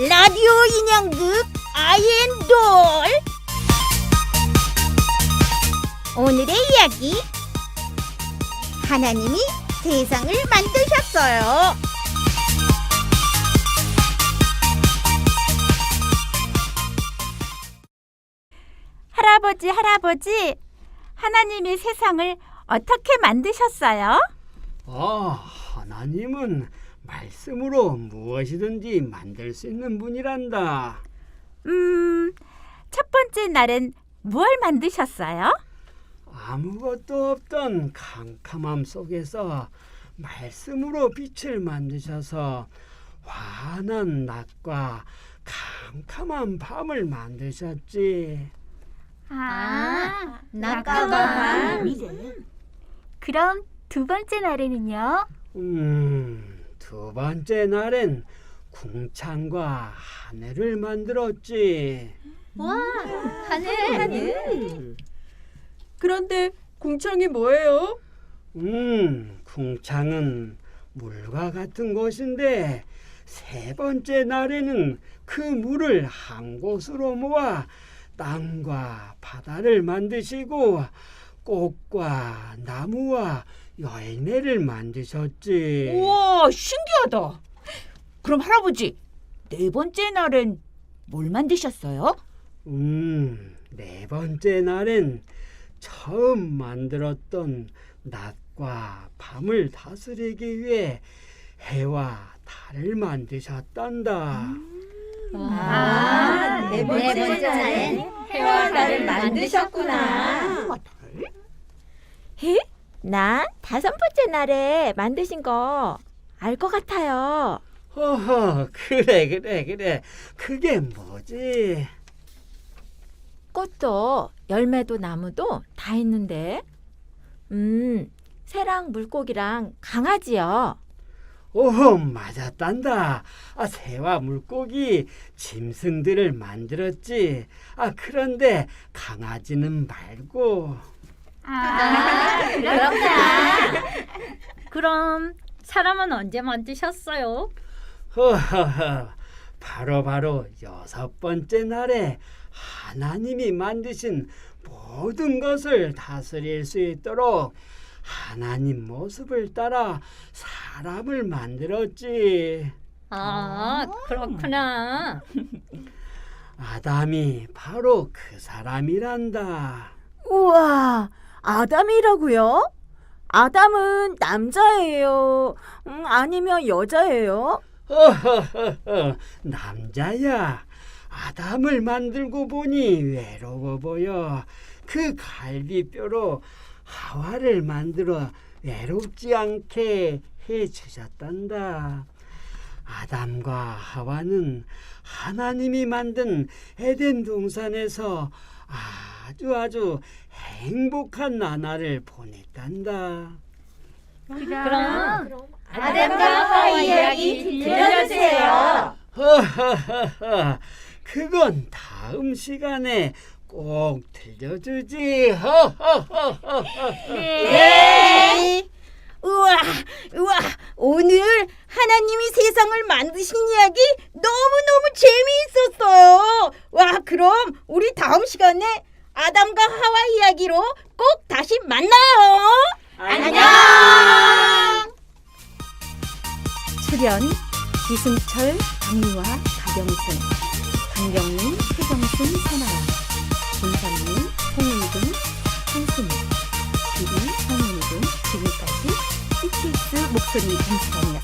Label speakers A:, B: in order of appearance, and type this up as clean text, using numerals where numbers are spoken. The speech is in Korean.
A: 라디오 인형극 아이앤돌. 오늘의 이야기, 하나님이 세상을 만드셨어요.
B: 할아버지, 할아버지, 하나님이 세상을 어떻게 만드셨어요?
C: 하나님은 말씀으로 무엇이든지 만들 수 있는 분이란다.
B: 첫 번째 날엔 무엇 만드셨어요?
C: 아무것도 없던 캄캄함 속에서 말씀으로 빛을 만드셔서 환한 낮과 캄캄한 밤을 만드셨지.
A: 낮과 밤.
B: 그럼 두 번째 날에는요?
C: 두 번째 날엔 궁창과 하늘을 만들었지.
A: 와, 하늘.
D: 그런데 궁창이 뭐예요?
C: 궁창은 물과 같은 곳인데 세 번째 날에는 그 물을 한 곳으로 모아 땅과 바다를 만드시고 꽃과 나무와 열매를 만드셨지.
D: 우와, 신기하다. 그럼 할아버지, 네 번째 날엔 뭘 만드셨어요?
C: 네 번째 날엔 처음 만들었던 낮과 밤을 다스리기 위해 해와 달을 만드셨단다.
A: 네 번째 날엔 해와 달을 만드셨구나.
B: 에? 나 다섯 번째 날에 만드신 거 알 것 같아요.
C: 그래. 그게 뭐지?
B: 꽃도 열매도 나무도 다 있는데, 새랑 물고기랑 강아지요.
C: 맞았단다. 새와 물고기, 짐승들을 만들었지. 그런데 강아지는 말고.
A: 그렇구나.
E: 그럼 사람은 언제 만드셨어요?
C: 바로 여섯 번째 날에 하나님이 만드신 모든 것을 다스릴 수 있도록 하나님 모습을 따라 사람을 만들었지.
E: 그렇구나.
C: 아담이 바로 그 사람이란다.
F: 우와, 아담이라고요? 아담은 남자예요? 아니면 여자예요?
C: 남자야. 아담을 만들고 보니 외로워 보여. 그 갈비뼈로 하와를 만들어 외롭지 않게 해주셨단다. 아담과 하와는 하나님이 만든 에덴 동산에서 아주 행복한 나날을 보냈단다.
E: 그럼
A: 아담과 하와 이야기 들려주세요.
C: 그건 다음 시간에 꼭 들려주지.
A: 네. 우와, 오늘 하나님이 세상을 만드신 이야기 너무너무 재미있었어요. 와, 그럼 우리 다음 시간에 아담과 하와 이야기로 꼭 다시 만나요. 안녕.
B: 출연 기승철, 박미화, 박영순, 강경민, 최정순, 선아야, 김선민, 홍은근, 한수미, 기린, 성은이 등 지금까지 CTS 목소리 연습원이었습니다.